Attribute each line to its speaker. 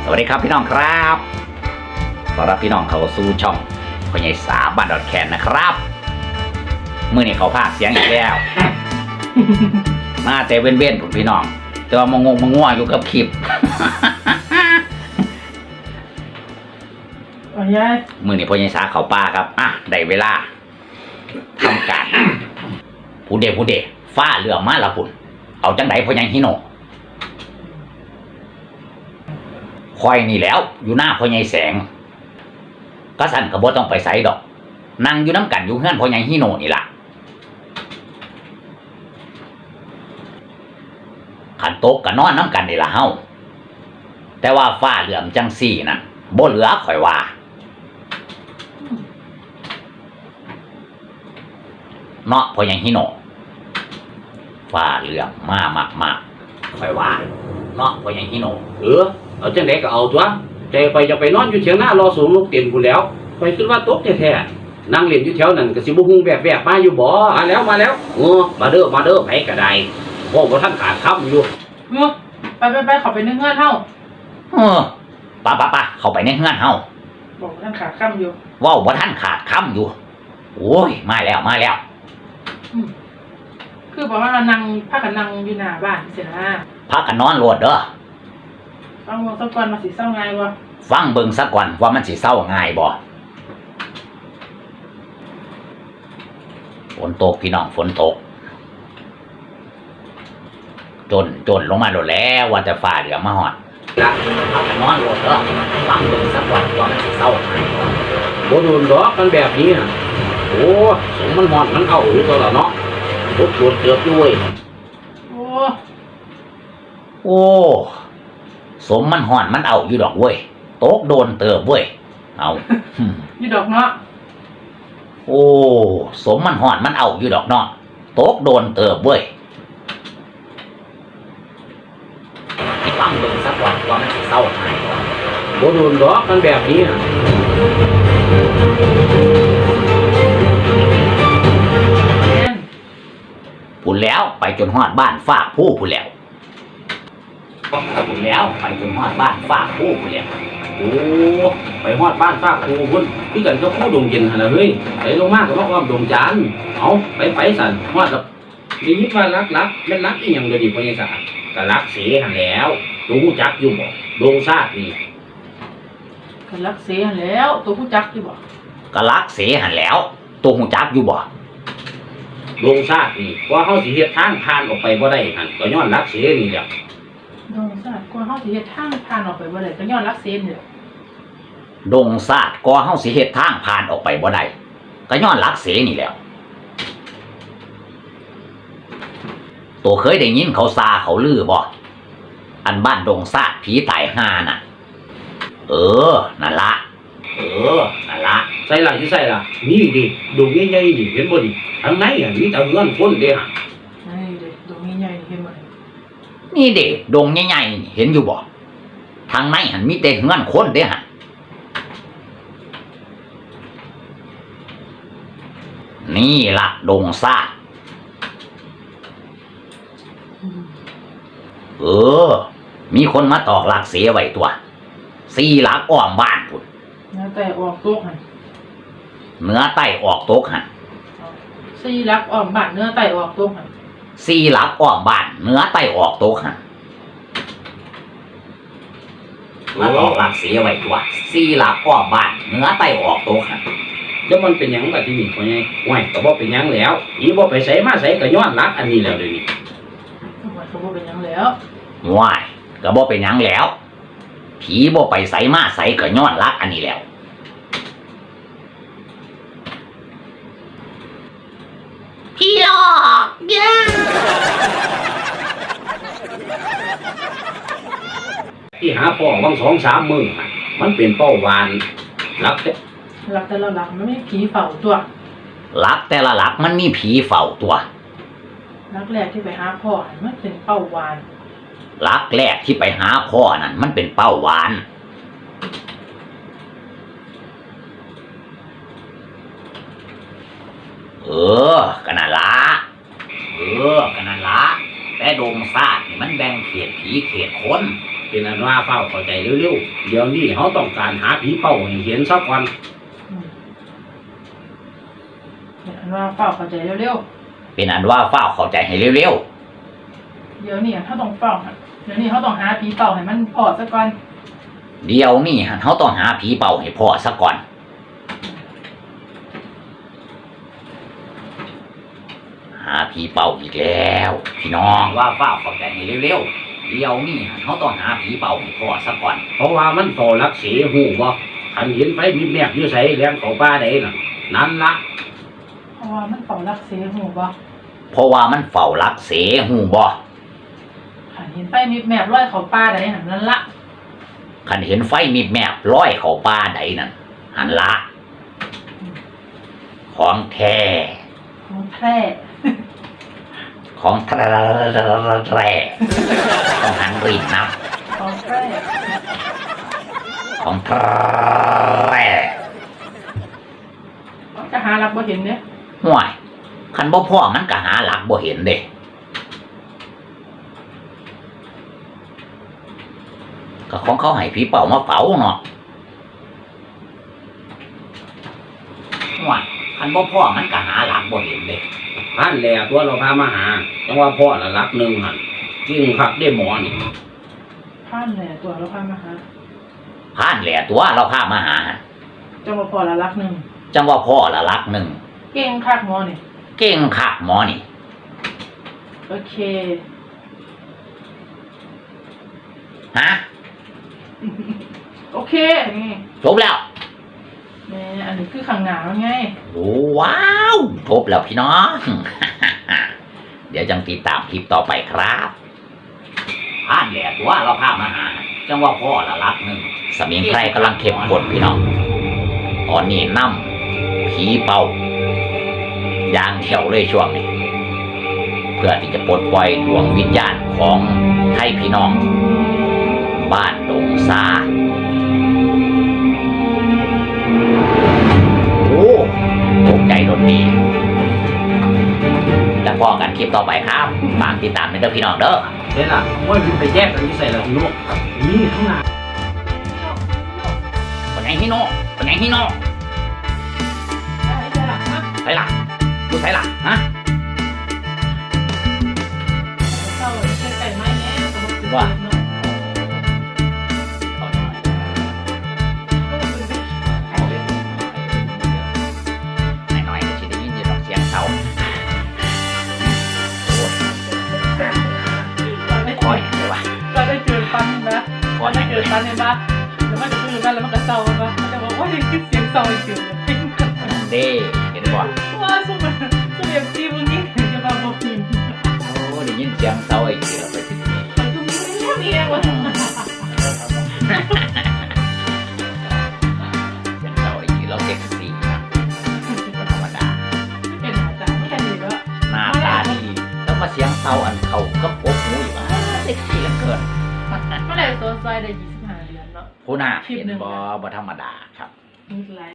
Speaker 1: สวัสดีครับพี่น้องครับต้อนรับพี่น้องเข้าสู่ช่องพ่อใหญ่สาบ้านดอนแคนนะครับมื้อนี้เขาพากเสียงอีกแล้ว มาแต่เว้นๆผมพี่น้องแต่ว่ามางงมาง่วอยู่กับคลิป มื้อนี้พ่อใหญ่สาเขาป่าครับได้เวลาทำการผู้เดฟ้าเรือมาละพุ่นเอาจังไดพ่อใหญ่ฮิโนคอยนี่แล้วอยู่หน้าพ่อใหญ่แสงก็สั่นก็บ่ต้องไปไสดอกนั่งอยู่น้ำกันอยู่เฮือนพ่อใหญ่ฮิโนนี่ล่ะขันโต๊ะก็นอนน้ำกันนี่ล่ะเฮาแต่ว่าฟ้าเหลื่อมจังซี่น่ะบ่เหลือข่อยว่าเนาะพ่อใหญ่ฮิโนฟ้าเหลื่อมมากข่อยว่าเนาะพ่อใหญ่ฮิโน
Speaker 2: เอาจังไดก็เอาตัวใจไปจะไปนอนอยู่เถียงหน้ารอสูงลูกเตียนกูแล้วไปคิดว่าตกแท้ๆนั่งเล่นอยู่แถวนั้นก็สิบ่ฮู้แบบมาอยู่บ่มาแล้วมาเด้อไผก็ได้โอ้บ่ทันขาดคำอยู่
Speaker 3: ไปเข้าไปในเฮือนเฮา
Speaker 1: ปะเข้าไปในเฮือนเฮา
Speaker 3: บอกท่านขาดค่ำอยู่
Speaker 1: ว้าวบ่ทันขาดคำอยู่โอ้ยมาแล้ว
Speaker 3: คือบอกว่าเรานั่งพักกันนั่งอยู่หน้าบ้านเสียนะ
Speaker 1: พักกันนอนโลดเด้อ
Speaker 3: ฟังสักก่อนมาสิเศร้าไงวะ
Speaker 1: ฟังเบิ่งสักก่อนว่ามันสิเศร้าง่ายบ่ฝนตกพี่น้องฝนตกจนลงมาโลดแล้วว่าแต่ฟ้าเหลือมาฮอดละพักกันนอนโลดเด้อฟังเบิ่งสักก่อนว่ามันสิเศร้าง่าย
Speaker 2: บ่โดนดอกกันแบบนี้โอ้สมมันหมอนมันเอาอยู่ตัวละเนาะรถตรวจเกือบด้วย
Speaker 1: โอ้สมมันห่อนมันเอาอยู่ดอกเว้ยโต๊กโดนเติบเว้ยเอา
Speaker 3: อยู่ดอกเนาะ
Speaker 1: โอ้สมมันห่อนมันเอาอยู่ดอกเนาะโต๊กโดนเติบเว้ยที่ฟังเบิ่งสักวันว่ามันสิเศร้าหาย
Speaker 2: บ่โดนดอกกันแบบนี้
Speaker 1: พูดแล้วไปจนฮอดบ้านฝากผู้พูดแล้วพูดแล้วไปจนฮอดบ้านฝากผู้พูดแล้ว
Speaker 2: โอ้ไปฮอดบ้านฝากผู้พุ่นที่กันก็ผู้ดงเย็นหั่นล่ะเฮ้ยไปลงมาก็ว่าดงจานเอาไปสั่นฮอดกับมีมิตรว่ารักแม่นรักอีหยังเด้อดิพ่อใหญ่สาก็รักเสหั่นแล้วรู้จักอยู่บ่ดงชาตินี่
Speaker 3: ก็รักเสหั่นแล้วตัวผู้จักอยู่บ่
Speaker 1: ก็รักเสหั่นแล้วตัวฮู้จักอยู่บ่
Speaker 2: ดงชาตินี่กว่าเฮาสิเฮ็ดทางผ่านออกไปบ่ได้หั่นก็ย้อนรักเสนี่แหละ
Speaker 3: ดงชาติกว่าเฮาสิเฮ็ดทางผ่านออกไปบ่ได้ก็ย้อนรักเสนี่แหละ
Speaker 1: ดงชาติกว่าเฮาสิเฮ็ดทางผ่านออกไปบ่ได้ก็ย้อนรักเสนี่แหละตัวเคยได้ยินเขาซาเขาลือบ่อันบ้านดงชาติผีตายห่าน่ะนั่นละ
Speaker 2: ใส่ล่ะนี่ดิดงใหญ่ๆนี่เห็นบ่ดิทางไหนมีแต่เงินคนเด้
Speaker 3: นี่ดิดงใหญ่ๆเห็นบ่
Speaker 1: นี่เด้ดงใหญ่ๆนี่เห็นอยู่บ่ทางไหนหันมีแต่เงินคนเด้นี่ล่ะดงชาติมีคนมาตอกหลักเสียไว้ตัว4 หลักอ้อมบ้านพุ่น
Speaker 3: เนื้อไตออกตกหั่น
Speaker 1: เนื้อไตออกตกหั่น
Speaker 3: 4 หลักอ้อมบ้านเนื้อไตออกตกหั่น
Speaker 1: 4 หลักอ้อมบ้านเนื้อไตออกตกหั่นมาตอกหลักเสียไว้ตัว4 หลักอ้อมบ้านเนื้อไตออกตกหั่น
Speaker 2: แล้วมันเป็นหยังบัดที่นี่พ่อใหญ่โอ้ยก็บ่เป็นหยังแล้วอีบ่ไปไสมาไสก็ย้อนรักอันนี้แล้วเดี๋ยวนี้
Speaker 3: ก็บ่เป็นหยังแล้ว
Speaker 1: ว้ายก็บ่เป็นหยังแล้วผีบ่ไปไสมาไสก็ย้อนรักอันนี้แล้วพี่หลอก
Speaker 2: ที่หาพ่อวัง2-3 มื้อมันเป็นเป้าหวานรัก
Speaker 3: แต่ละหลักมันมีผีเฝ้าตัว
Speaker 1: รักแต่ละหลักมันมีผีเฝ้าตัว
Speaker 3: รักแรกที่ไปหาพ่อมันเป็นเป้าหวาน
Speaker 1: รักแรกที่ไปหาพ่อนั่นมันเป็นเป้าหวานก็นั่นละแต่ดงชาตินี่มันแบ่งเขตผีเขตคน
Speaker 2: เป็นอันว่าเฝ้าเข้าใจเร็วๆเดี๋ยวนี้เขาต้องการหาผีเป้าให้เห็นสักวัน
Speaker 3: อันว่าเฝ้าเข้าใจเร็ว
Speaker 1: เป็นอันว่าเฝ้าเข้าใจให้เร็ว
Speaker 3: ๆเดี๋ยวนี้เขาต้องเฝ้าค่ะเดี๋ยวนี้เขาต้องหาผีเป่าให้มันพอซะก่อน
Speaker 1: ๆเดี๋ยวนี้เขาต้องหาผีเป่าให้พ่อซะก่อน หาผีเป่าอีกแล้วพี่น้องว่าเฝ้าเข้าใจให้เร็วๆเดี๋ยวนี้เขาต้องหาผีเป่าให้พ่อซะก่อน
Speaker 2: เพราะว่ามันโตรักเสียหูบ่ขันเห็นไฟมีแมบอยู่ใส่แรงเขาป้าได้น่ะนั่นละ
Speaker 3: เพราะว่ามันเป่ารักเสียหูบ่
Speaker 1: เพราะว่ามันเฝ้ารักเสหูบ่
Speaker 3: ค่ะเห็นไฟมีแมบร้อยเขาป้าได้หันนั่นละ
Speaker 1: คันเห็นไฟมีแมบร้อยเข้าป่าใดนั่นหันละของแท้
Speaker 3: ของแพร่
Speaker 1: ของแท้ต้องหันรีดนับ
Speaker 3: ของแพร่
Speaker 1: ของแท้
Speaker 3: จะหารักบ่เห็นเนี่ย
Speaker 1: ห่วยคันบ่พ่อมันก็หาหลักบ่เห็นเด้ก็ของเขาให้ผีเป่ามาเป่าเนาะห่วยคันบ่พ่อมันก็หาหลักบ่เห็นเด้
Speaker 2: พันแหล่ตัวเราพามาหาจังว่าพ่อละรักหนึ่งหันยิ่งคักได้หมอนี่
Speaker 3: ผ่านแหล่ตัวเราพามาหา
Speaker 1: ผ่านแหล่ตัวเราพามาหา
Speaker 3: จังว่าพอละรักหนึ่ง
Speaker 1: จังว่าพ่อละหลักหนึ่ง
Speaker 3: เก่งคักหมอนี่
Speaker 1: เก่งคักหมอนี่
Speaker 3: โอเค
Speaker 1: ฮะ
Speaker 3: โอเคนี่
Speaker 1: จบแล้ว
Speaker 3: แม่อันนี้คือข้างหน้ามันไง
Speaker 1: โอ้ว้าวจบแล้วพี่น้อง เดี๋ยวจังติดตามคลิปต่อไปครับผ่านแหล่ตัวเราพามาหา จังว่าพ่อละหลักหนึ่งสมิงไพรกำลังเข้มข้นพี่น้องตอนนี้นำผีเป่าอย่างเดียวเลยช่วงนี้ เพื่อที่จะปลดปล่อยดวงวิญญาณของไทยพี่น้อง บ้านดงซาโอ้ตกใจโดนดีแล้วพอกันคลิปต่อไปครับฝากติดตามในเด้อพี่น้องเด้อ
Speaker 2: เห็นล่ะว่ามันไปแยกกันที่ใส่ละพี่นุ๊กนี่ข้างหน้า
Speaker 1: คนไหนฮิโน่คนไหนฮิโน่
Speaker 3: ได้จ้ะอ่ะ
Speaker 1: ใส่ละดูใส่ละฮะ
Speaker 3: เศร้าเลยใส่ไม้แน่สมมติ
Speaker 1: ว่า
Speaker 3: เนาะ
Speaker 1: เอาหน่อย
Speaker 3: ก็คือ
Speaker 1: เอาเลยหน่อยๆก็จะได้ยินอยู่ดอกเสียงเสาโอ้ย
Speaker 3: เราได้
Speaker 1: คอยเลยว่ะ
Speaker 3: เราได้เจอฟันนะเราได้เจอฟันเห็นปะแล้วมันจะพูดกันแล้วมันก็เศร้าปะมันจะบอกว่าได้ยินเสียงเศร้าอีกเสียงหนึ่ง
Speaker 1: เด้เห็นบ่
Speaker 3: ว่าสมัยเอ็มจีมึงนี่จะมาบอกพิมพ์
Speaker 1: โอ้ได้ยินเสียงเสาไอ้เกี่ยวไปถึงนี่
Speaker 3: มันก็มีเรื่องนี้วะ
Speaker 1: เสียงเสาไอ้เกี่ยวเราเซ็กซี่นะบ่ธรรมดา
Speaker 3: เป็นอาจารย์แค่นี้ก็
Speaker 1: หน้าตาดีแล้วมาเสียงเศร้าอันเขาก็ปกหูอีกว่าเซ็กซี่เหลือเกิน
Speaker 3: เมื่อไหร่ตัวซอยได้25 เดือนเนาะ
Speaker 1: ผู้หน้า
Speaker 3: คลิป
Speaker 1: เห็น
Speaker 3: หนึ่ง
Speaker 1: บ่ธรรมดาครับ
Speaker 3: มีหลาย